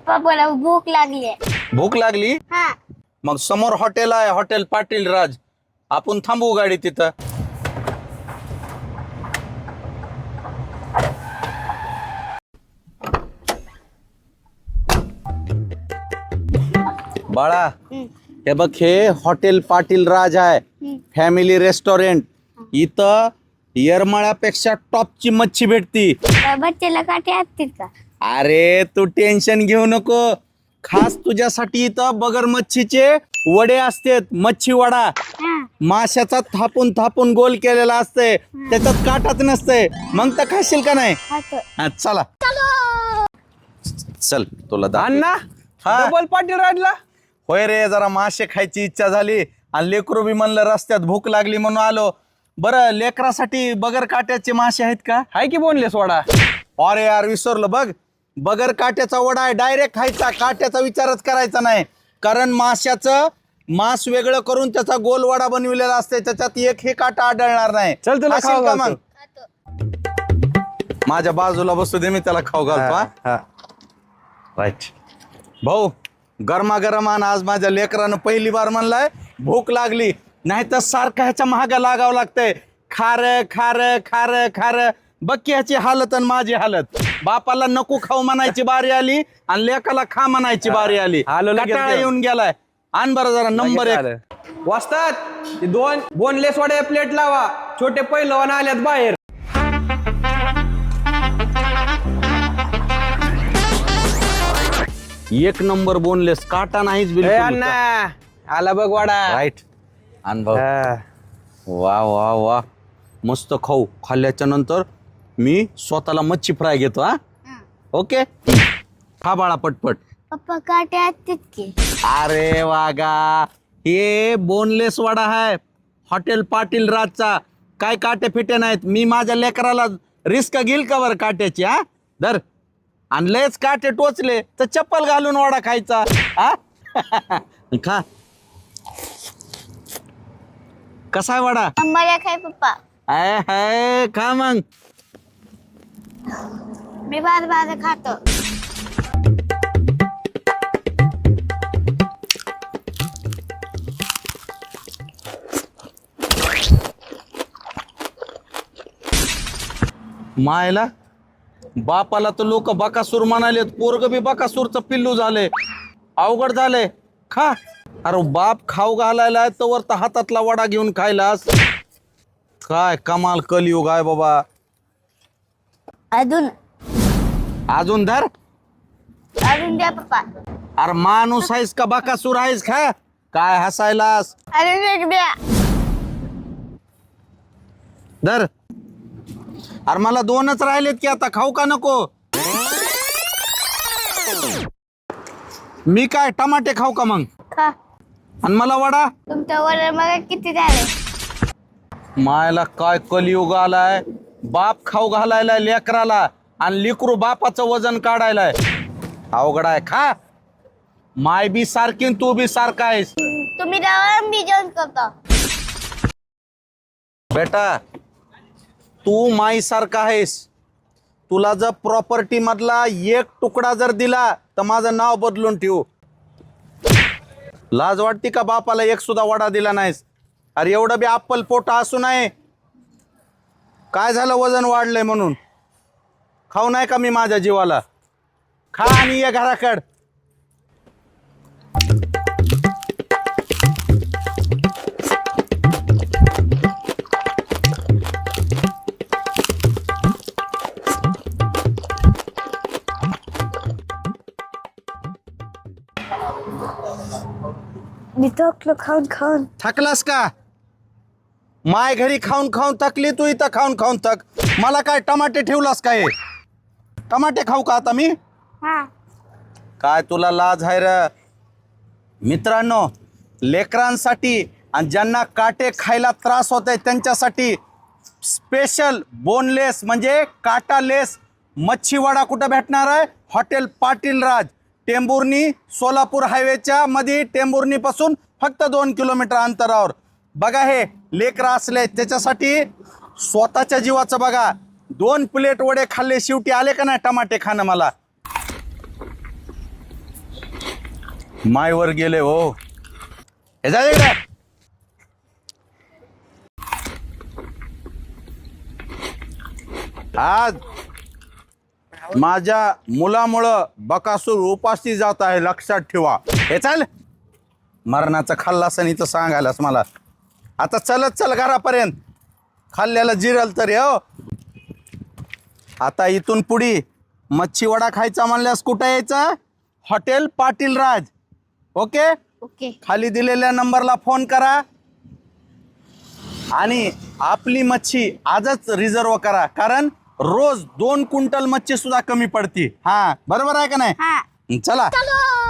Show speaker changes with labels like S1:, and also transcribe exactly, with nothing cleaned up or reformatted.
S1: पप्पा मला भूक लागली आहे.
S2: भूक लागली?
S1: हा.
S2: मग समोर हॉटेल आहे, हॉटेल पाटील राज. आपण थांबू गाडी तिथं. बाळा, हे बघ, हे हॉटेल पाटील राज आहे, फॅमिली रेस्टॉरंट. इथं येरमाळ्यापेक्षा टॉपची मच्छी भेटती.
S1: बच्चेला काटे असतील का?
S2: अरे तू टेन्शन घेऊ नको. खास तुझ्यासाठी इथं बगर मच्छीचे वडे असतात. मच्छी वडा माशाचा थापून थापून गोल केलेला असते, त्याच्यात काटाच नसते. मग तर खाशील का नाही? हा, चला चल तुला दाखव.
S3: अण्णा,
S2: हा.
S3: डबल पाटील राजला.
S2: होय रे, जरा मासे खायची इच्छा झाली आणि लेकरू बी म्हणलं रस्त्यात भूक लागली म्हणून आलो. बरं, लेकरासाठी बगर काट्याचे मासे आहेत का?
S3: हाय की बोनलेस वडा.
S2: अरे यार, विसरलो बघ. बगर काट्याचा वडा आहे, डायरेक्ट खायचा, काट्याचा विचारच करायचा नाही. कारण माशाचं मांस वेगळं करून त्याचा गोल वडा बनविलेला असते, त्याच्यात एक हे काटा आढळणार नाही.
S3: चल तुला
S2: खाशील
S3: खाऊ
S2: का
S3: घालतो.
S2: मग? माझ्या बाजूला बसू दे, मी त्याला खाऊ घालतो. हा? राईट भाऊ, गरमागरम आण. आज माझ्या लेकरानं पहिली बार म्हणलाय भूक लागली, नाही तर सारखं ह्याच्या महागा लागावं लागतंय. खार खार खार खार. बघ की ह्याची हालत आणि माझी हालत. बापाला नको खाऊ म्हणायची बारी आली आणि लेकाला खा म्हणायची बारी आली.
S3: आलो लगेच
S2: कंटाळा
S3: घेऊन.
S2: येऊन गेलाय. आण बरं जरा नंबर एक.
S3: वाजतात ते दोन बोनलेस वडे प्लेट लावा. छोटे पहिलवान आल्यात बाहेर.
S2: एक नंबर बोनलेस, काटा नाहीच
S3: ए
S2: बिलकुल.
S3: अण्णा, आला बघ वडा.
S2: राईट. आण भाऊ.
S3: हा.
S2: वा वा वा, मस्त खाऊ. खाल्ल्याच्या नंतर मी स्वतःला मच्छी फ्राय घेतो. हा, ओके. खा बाळा पटपट.
S1: पप्पा काटे असतील की?
S2: अरे वागा, हे बोनलेस वडा आहे हॉटेल पाटील राजचा. काय काटे फिटे नाहीत. मी माझ्या लेकराला रिस्क घेईल का बरं काट्याची? हा, धर. आणि लयच काटे टोचले तर चप्पल घालून वडा खायचा. हा खा. कसा आहे वडा?
S1: मला खाय पप्पा.
S2: आय हाय, खा मग.
S1: मी बाद बाद खातो.
S2: मायला, बापाला तर लोक बकासूर म्हणालेत, पोरग बी बकासूरचं पिल्लू झाले. अवघड झाले. खा. अरे बाप खाऊ घालायला तर तर हातातला वडा घेऊन खायलास. काय कमाल कलियुग आहे बाबा.
S1: अजून
S2: अजून धर.
S1: अजून द्या पप्पा.
S2: अरे माणूस आहेस का बकासूर आहेस? खा. काय हसायलास?
S1: अजून एक द्या.
S2: धर. अरे मला दोनच राहिलेत की, आता खाऊ का नको? मी काय टमाटे खाऊ का मग?
S1: खा.
S2: आणि मला वडा?
S1: तुमच्या वर मला किती झाले?
S2: मायला काय कलियुग आलाय. बाप खाऊ घालायला लेकराला आणि लेकरू बापाचं वजन काढायलाय. अवघड आहे. खा. माय बी सारखी आणि तू बी सारखा आहेस.
S1: तुम्ही जावा, मी जेवण करतो.
S2: बेटा, तू माई सारखा आहेस. तुला जर प्रॉपर्टी मधला एक तुकडा जर दिला तर माझं नाव बदलून ठेवू. लाज वाटते का बापाला एक सुद्धा वडा दिला नाहीस? अरे एवढं बी अप्पल पोट असू नये. काय झालं, वजन वाढलंय म्हणून? खाऊ नाही का मी माझ्या जीवाला? खा आणि ये घराकड.
S1: मी थकलो खाऊन खाऊन.
S2: थकलास का? माय घरी खाऊन खाऊन थकली, तू इथं खाऊन खाऊन थक. मला काय टमाटे ठेवलास काय? टमाटे खाऊ का आता मी?
S1: हा.
S2: काय तुला लाज आहे र? मित्रांनो, लेकरांसाठी आणि ज्यांना काटे खायला त्रास होत आहे त्यांच्यासाठी स्पेशल बोनलेस म्हणजे काटालेस मच्छी वडा कुठं भेटणार आहे? हॉटेल पाटील राज, टेंभुर्णी सोलापूर हायवेच्या मध्ये. टेंभुर्णी पासून फक्त दोन किलोमीटर अंतरावर. बघा, हे लेकरं असले त्याच्यासाठी स्वतःच्या जीवाचं बघा. दोन प्लेट वडे खाल्ले, शेवटी आले का नाही टमाटे खाणं मला. मायवर गेले हो. हे जा इकडे. आज माझ्या मुलामुळं बकासूर उपाशी जात आहे, लक्षात ठेवा. हे चाल, मरणाचं खाल्लास आणि इथं सांगायलास मला. आता चलत चल घरापर्यंत, खाल्ल्याला जिरल तरी हो. आता इथून पुढी मच्छी वडा खायचा म्हणल्यास कुठं यायचं? Hotel Patil Raj. Okay.
S1: Okay.
S2: खाली दिलेल्या नंबरला फोन करा आणि आपली मच्छी आजच रिझर्व करा, कारण रोज दोन क्विंटल मच्छी सुद्धा कमी पडती. हा बरोबर आहे का नाही?
S1: हा.
S2: चला.
S1: चलो.